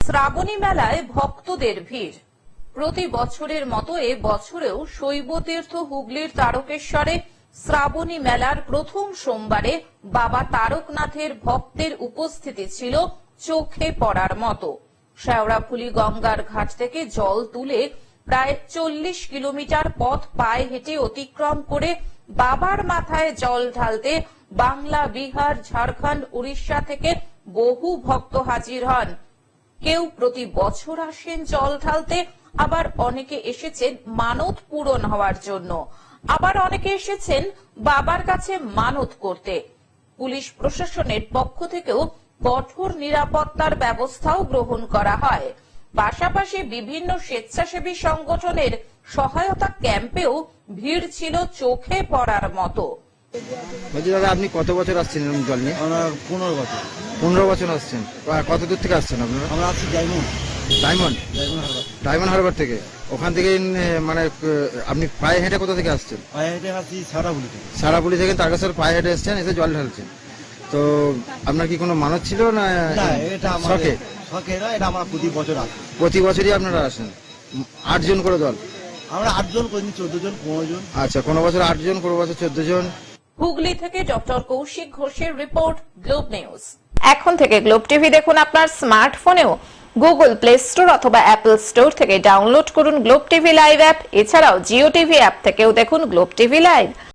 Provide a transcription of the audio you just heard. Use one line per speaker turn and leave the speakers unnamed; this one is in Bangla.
শ্রাবণী মেলায় ভক্তদের ভিড়। প্রতি বছরের মতো এ বছরেও শৈবতীর্থ হুগলির তারকেশ্বরে শ্রাবণী মেলার প্রথম সোমবারে বাবা তারকনাথের ভক্তের উপস্থিতি ছিল চোখে পড়ার মতো। শেওড়াফুলি গঙ্গার ঘাট থেকে জল তুলে প্রায় 40 কিলোমিটার পথ পায়ে হেঁটে অতিক্রম করে বাবার মাথায় জল ঢালতে বাংলা, বিহার, ঝাড়খণ্ড, উড়িষ্যা থেকে বহু ভক্ত হাজির হন। কেউ প্রতি বছর আসেন জল ঢালতে, আবার অনেকে এসেছেন মানত পূরণ হওয়ার জন্য, আবার অনেকে এসেছেন বাবার কাছে মানত করতে। পুলিশ প্রশাসনের পক্ষ থেকেও কঠোর নিরাপত্তার ব্যবস্থাও গ্রহণ করা হয়। পাশাপাশি বিভিন্ন স্বেচ্ছাসেবী সংগঠনের সহায়তা ক্যাম্পেও ভিড় ছিল চোখে পড়ার মতো।
বলছি দাদা, আপনি কত বছর আসছেন এরকম জল নিয়ে?
আমরা 15 বছর।
15 বছর আসছেন। কত দূর থেকে আসছেন আপনারা?
আমরা আসছি
ডায়মন্ড হারবার থেকে। ওখান থেকে মানে আপনি পায়ে হেঁটে কোথা থেকে আসছেন?
পায়ে হেঁটে আসছি শেওড়াফুলি থেকে।
শেওড়াফুলি থেকে তারকেশ্বর পায়ে হেঁটে এসছেন, এসে জল ঢালছেন। তো আপনার কি কোনো মানত ছিল না?
এটা
শখে?
শখে না, এটা আমরা প্রতি বছর আসি।
প্রতি বছরই আপনারা আসেন? 8 জন করে দল?
আমরা 8 জন, কোনদিন 14 জন, 15 জন।
আচ্ছা, কোনো বছর 8 জন, কোনো বছর 14 জন।
হুগলি থেকে ডক্টর কৌশিক ঘোষের রিপোর্ট, গ্লোব নিউজ। এখন থেকে গ্লোব টিভি দেখুন আপনার স্মার্টফোনেও। গুগল প্লে স্টোর অথবা অ্যাপল স্টোর থেকে ডাউনলোড করুন গ্লোব টিভি লাইভ অ্যাপ। এছাড়াও জিও টিভি অ্যাপ থেকেও দেখুন গ্লোব টিভি লাইভ।